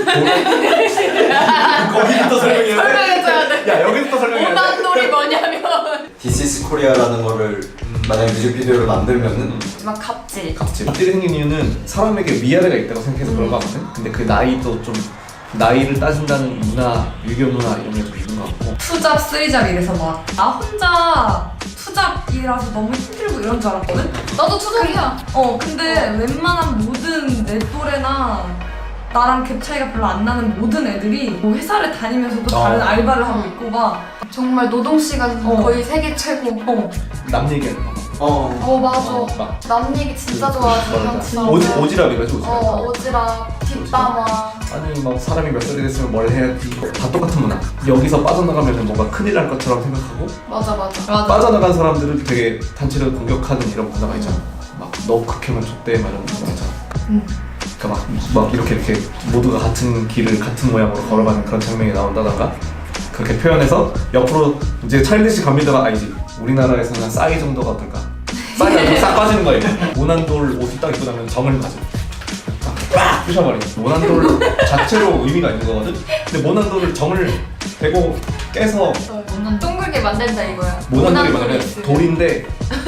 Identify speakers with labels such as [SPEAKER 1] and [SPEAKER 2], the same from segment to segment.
[SPEAKER 1] 거기부터 설명해야 돼?
[SPEAKER 2] 설명해줘야 돼.
[SPEAKER 1] 야 여기부터 설명해야 돼?
[SPEAKER 2] 오난돌이 뭐냐면
[SPEAKER 3] This is Korea라는 거를 만약에 뮤직비디오를 만들면은
[SPEAKER 2] 막 갑질.
[SPEAKER 1] 갑질이 생긴 이유는 사람에게 위아래가 있다고 생각해서 그런 거 같거든? 근데 그 나이도 좀 나이를 따진다는 문화, 유교 문화 이런 게 좀 있는 것 같고
[SPEAKER 4] 투잡, 쓰리잡 이래서 막 나 혼자 투잡이라서 너무 힘들고 이런 줄 알았거든?
[SPEAKER 2] 나도 투잡이야.
[SPEAKER 4] 근데 웬만한 모든 내 또래나 나랑 갭 차이가 별로 안 나는 모든 애들이 뭐 회사를 다니면서도 다른 알바를 하고 있고 막
[SPEAKER 2] 정말 노동 시간 거의 세계 최고.
[SPEAKER 1] 남 얘기하는 거
[SPEAKER 2] 맞아.
[SPEAKER 1] 막
[SPEAKER 2] 남 얘기 진짜 좋아하지. 난 진짜.
[SPEAKER 1] 오지랖 이거지 오지랖
[SPEAKER 2] 오지랖, 뒷담화.
[SPEAKER 1] 아니 뭐 사람이 몇 살이 됐으면 뭘 해야지 다 똑같은 문화 여기서 빠져나가면 뭔가 큰일 날 것처럼 생각하고
[SPEAKER 2] 맞아.
[SPEAKER 1] 빠져나간 사람들은 되게 단체를 공격하는 이런 문화가 있잖아 막 너 극혐은 좆대 막 이런 문화가 있잖아 그러니까 막 이렇게 모두가 같은 길을 같은 모양으로 걸어가는 그런 장면이 나온다던가 그렇게 표현해서 옆으로 이제 차일리시 갑니다가 아니지 우리나라에서는 싸이 정도가 어떨까 싸이가 싹 빠지는 거예요 모난돌 옷을 딱 입고 나면 정을 가져 빡 부셔버려 모난돌 자체로 의미가 있는 거거든 근데 모난돌을 정을 대고 깨서
[SPEAKER 2] 둥글게 만든다 이거야.
[SPEAKER 1] 모난돌이 뭐냐면 돌인데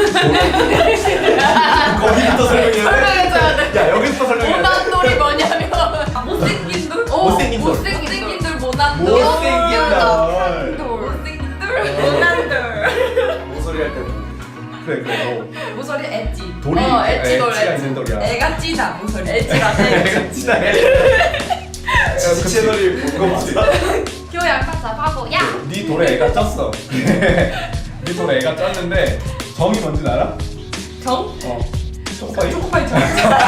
[SPEAKER 1] 거기부터 설명해야 돼?
[SPEAKER 2] 설명해줘야 돼.
[SPEAKER 1] 야 여기부터 설명해야 돼?
[SPEAKER 2] 오난돌이 뭐냐면
[SPEAKER 4] 못생긴 돌?
[SPEAKER 1] 못생긴 돌.
[SPEAKER 4] 못생긴 돌 모난돌
[SPEAKER 1] 못생긴 돌
[SPEAKER 4] 못생긴 돌 모난돌
[SPEAKER 3] 모서리 할때
[SPEAKER 1] 그래
[SPEAKER 4] 모서리 엣지
[SPEAKER 1] 돌이
[SPEAKER 2] 엣지돌,
[SPEAKER 1] 엣지가
[SPEAKER 2] 엣지.
[SPEAKER 1] 있는 돌이야
[SPEAKER 4] 애가 찌다 모서리
[SPEAKER 2] 엣지라서.
[SPEAKER 1] 애가 진짜
[SPEAKER 3] 지지 채널이 본거 맞아?
[SPEAKER 2] 교양 답답하고 야.
[SPEAKER 1] 네 돌에 애가 쪘어 네 돌에 애가 쪘는데 정이 뭔지 알아?
[SPEAKER 4] 정?
[SPEAKER 1] 초코파이
[SPEAKER 4] 초코파이처럼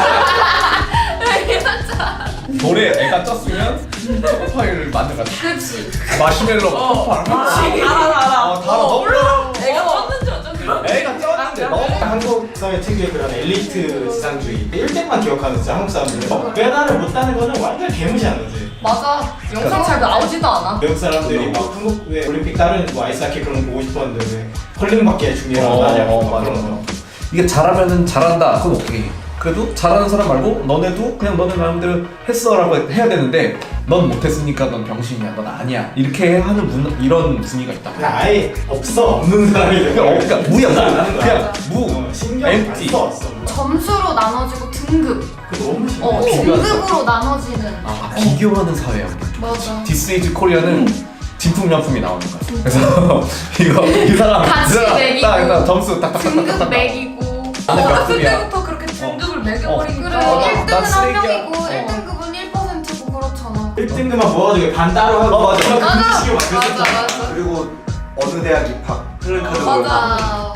[SPEAKER 1] 돌에 애가 쪘으면 초코파이를 만들어가지고
[SPEAKER 2] 그렇지.
[SPEAKER 1] 마시멜로 초코파이를
[SPEAKER 4] 알아
[SPEAKER 1] 달아 너무
[SPEAKER 4] 애가 쪘는지 어쩐지
[SPEAKER 1] 애가 쪘는데 너무
[SPEAKER 5] 한국 사회 특유의 그런 엘리트 지상주의 1등만 기억하는 진짜 한국 사람들은 메달을 못 따는 거는 완전 개무시하는 거지.
[SPEAKER 2] 맞아.
[SPEAKER 4] 영상 잘 나오지도 않아
[SPEAKER 5] 외국 사람들이 막 한국 왜 올림픽 다른 뭐 아이스하키 그런 거 보고 싶었는데 왜 컬링밖에 중요하고 하냐고 막
[SPEAKER 1] 맞아
[SPEAKER 5] 그런 거.
[SPEAKER 1] 이게 잘하면은 잘한다 그건 오케이 그래도 잘하는 사람 말고 너네도 그냥 너네 마음대로 했어라고 해야 되는데 넌 못했으니까 넌 병신이야 넌 아니야 이렇게 하는 이런 분위기가 있다
[SPEAKER 5] 그냥 아예 없는 사람이 되고
[SPEAKER 1] 그러니까 무야
[SPEAKER 5] 나는
[SPEAKER 1] 그냥 무
[SPEAKER 5] 신경 안
[SPEAKER 1] empty.
[SPEAKER 5] 써왔어.
[SPEAKER 2] 점수로 나눠지고 등급.
[SPEAKER 5] 그거 너무 심해.
[SPEAKER 1] 비교하는
[SPEAKER 2] 등급으로 나눠지는.
[SPEAKER 1] 비교하는 사회야
[SPEAKER 2] 맞아.
[SPEAKER 1] This is Korea는 진품명품이 나오는 거야 그래서 이 사람
[SPEAKER 2] 같이 매기고
[SPEAKER 1] 딱 점수
[SPEAKER 2] 등급 매기고.
[SPEAKER 4] 어렸을
[SPEAKER 1] 급이야.
[SPEAKER 4] 때부터 그렇게 등급을 매겨버리니까
[SPEAKER 2] 그래.
[SPEAKER 1] 나
[SPEAKER 2] 1등은 한
[SPEAKER 1] 쓰레기야.
[SPEAKER 2] 명이고 1등급은 1%고 그렇잖아.
[SPEAKER 5] 1등급만 모아가지고 반 따로 하고
[SPEAKER 1] 맞아.
[SPEAKER 5] 그런 식으로 막
[SPEAKER 2] 맞아
[SPEAKER 5] 그랬었잖아.
[SPEAKER 2] 맞아.
[SPEAKER 3] 그리고 어느 대학 입학 플랜카드
[SPEAKER 2] 맞아.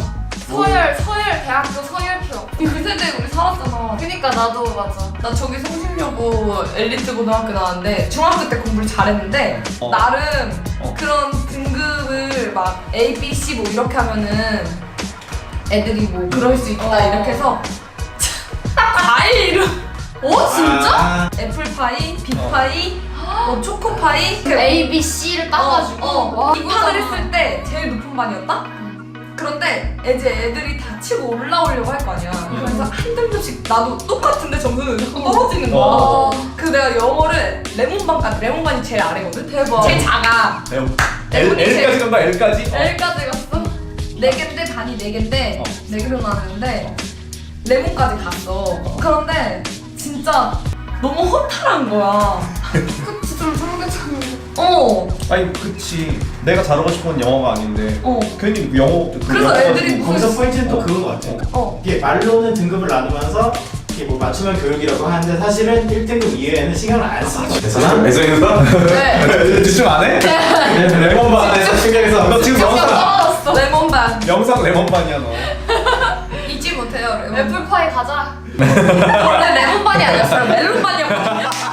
[SPEAKER 2] 서열 대학교 서열표.
[SPEAKER 4] 그 세대에 우리 살았잖아
[SPEAKER 2] 그니까 나도 맞아.
[SPEAKER 4] 나 저기 성심여고 엘리트 고등학교 나왔는데 중학교 때 공부를 잘했는데 나름 그런 등급을 막 A, B, C 뭐 이렇게 하면은 애들이 뭐 그럴 수 있다 이렇게 해서 과일 이름 진짜?
[SPEAKER 5] 아,
[SPEAKER 4] 애플파이, 빅파이, 뭐 초코파이
[SPEAKER 2] A, B, C를 따가지고. 와,
[SPEAKER 4] 입학을
[SPEAKER 2] 이거잖아.
[SPEAKER 4] 했을 때 제일 높은 반이었다? 그런데 이제 애들이 다 치고 올라오려고 할 거 아니야. 그래서 한 등급씩 나도 똑같은데 점수는 자꾸 떨어지는 거야. 그 내가 영어를 레몬반까지 레몬반이 제일 아래거든.
[SPEAKER 2] 대박.
[SPEAKER 4] 제일 작아.
[SPEAKER 1] L까지 간 거야 L까지?
[SPEAKER 4] L까지 갔어. 4개인데 반이 4개인데 4개로 나누는데 레몬까지 갔어. 그런데 진짜 너무 허탈한 거야.
[SPEAKER 2] 그치 좀 상대적으로.
[SPEAKER 1] 아니 그치 내가 잘하고 싶은 영어가 아닌데 괜히 영어
[SPEAKER 4] 그래서 애들이
[SPEAKER 5] 거기서 포인트는 또 그건 것 같아. 이게 말로는 등급을 나누면서 이게 뭐 맞춤형 교육이라고 하는데 사실은 1등급 이외에는 신경을 안 써. 그래서
[SPEAKER 1] 애정에서?
[SPEAKER 2] 네.
[SPEAKER 1] 집중 안 해?
[SPEAKER 5] 레몬반에서 신경에서
[SPEAKER 1] 너 지금 영상
[SPEAKER 2] 떨어졌어.
[SPEAKER 4] 레몬반
[SPEAKER 1] 영상 레몬반이야 너
[SPEAKER 4] 잊지 못해요. 레몬.
[SPEAKER 2] 애플파이 가자.
[SPEAKER 4] 원래 레몬반이 아니었어요. 멜론반이었거든요.